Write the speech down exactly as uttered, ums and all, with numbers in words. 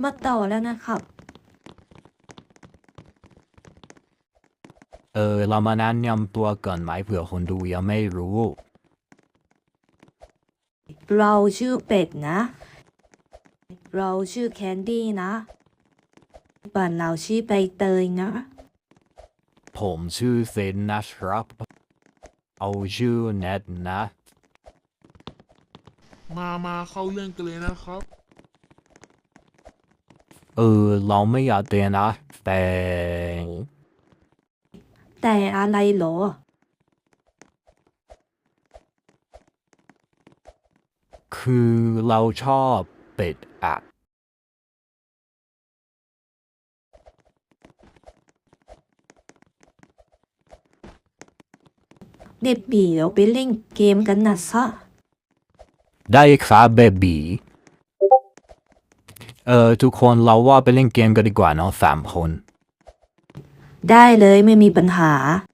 มาต่อแล้วนะครับเออเรามาแนะนำตัวก่อนไหมเผื่อคนดูยังไม่รู้เราชื่อเป็ดนะ เราชื่อแคนดี้นะบ้านเราชื่อใบเตยนะผมชื่อเซนนะครับเอาชื่อเน็ตนะมามาเข้าเรื่องกันเลยนะครับเออเราไม่อยากเรียนนะแต่แต่อะไรเหรอคือเราชอบเป็ดอะเด็บบีเราไปเล่นเกมกันนะซะได้ครับเบบีเออทุกคนเราว่าไปเล่นเกมกันดีกว่าเนาะสามคนได้เลยไม่มีปัญหา